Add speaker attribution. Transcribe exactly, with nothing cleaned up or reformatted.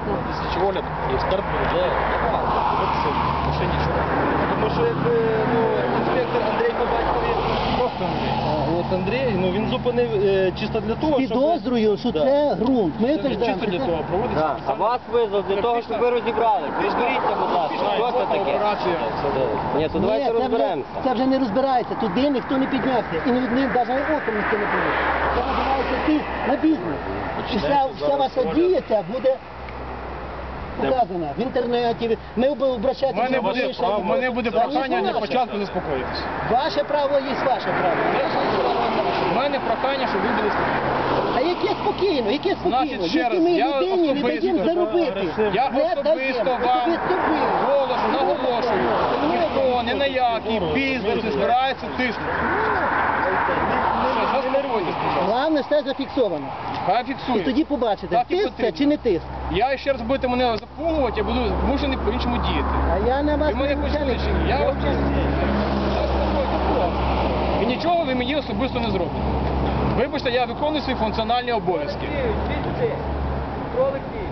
Speaker 1: Ясно.
Speaker 2: Слідчий огляд, і експерт буде дивитися в машині, що
Speaker 3: Тому що якби, ну, інспектор Андрій по батькові,
Speaker 2: просто Андрій.
Speaker 3: а, от Андрій, ну, він зупинив е, чисто для того, щоб...
Speaker 1: Підозрюю, що
Speaker 3: Да.
Speaker 1: це ґрунт. Ми
Speaker 2: Це
Speaker 1: утверждаємо,
Speaker 2: чисто для
Speaker 1: що
Speaker 2: того проводиться.
Speaker 4: Так, а вас визвав для того, щоб ви розібрали. Розберіться, будь ласка, що це таке?
Speaker 2: Операція.
Speaker 4: Ні, то
Speaker 1: Ні,
Speaker 4: давайте
Speaker 1: це вже,
Speaker 4: розберемося.
Speaker 1: це вже не розбирається. Туди ніхто не піднявся. І ні, навіть оком ніхто не повів. Це називається тиск на бізнес. І вся, вся ваша дія ця буде показана в інтернеті. Ми
Speaker 2: У
Speaker 1: обращаємося
Speaker 2: мене
Speaker 1: до
Speaker 2: буде,
Speaker 1: вищого.
Speaker 2: у мене буде
Speaker 1: Та ні,
Speaker 2: прохання для
Speaker 1: ваше.
Speaker 2: початку заспокоїтися.
Speaker 1: Ваше право є ваше право.
Speaker 2: У мене прохання, щоб ви були спокійні.
Speaker 1: А яке спокійно, яке спокійно?
Speaker 2: Значить, ще
Speaker 1: Якщо
Speaker 2: раз,
Speaker 1: ми
Speaker 2: я
Speaker 1: людині не
Speaker 2: особисто-
Speaker 1: даємо заробити,
Speaker 2: Я
Speaker 1: не
Speaker 2: особисто
Speaker 1: даємо.
Speaker 2: вам
Speaker 1: Особисто ви.
Speaker 2: голос наголошую. Ніхто ні на який бізнес не збирається тиснути. Все, заспокойтесь, будь ласка.
Speaker 1: Головне, все зафіксовано.
Speaker 2: Хай
Speaker 1: І
Speaker 2: фіксує.
Speaker 1: тоді побачите,
Speaker 2: Так і
Speaker 1: тиск це
Speaker 2: потрібно.
Speaker 1: чи не тиск.
Speaker 2: Я ще раз будете мене запугувати, я буду змушений по-іншому діяти.
Speaker 1: А я на вас
Speaker 2: Ви мене
Speaker 1: не
Speaker 2: почули
Speaker 1: начальник.
Speaker 2: чи ні? Я вас заспокойтесь, будь ласка. І нічого ви мені особисто не зробите. Вибачте, я виконую свої функціональні обов'язки.
Speaker 3: Кролик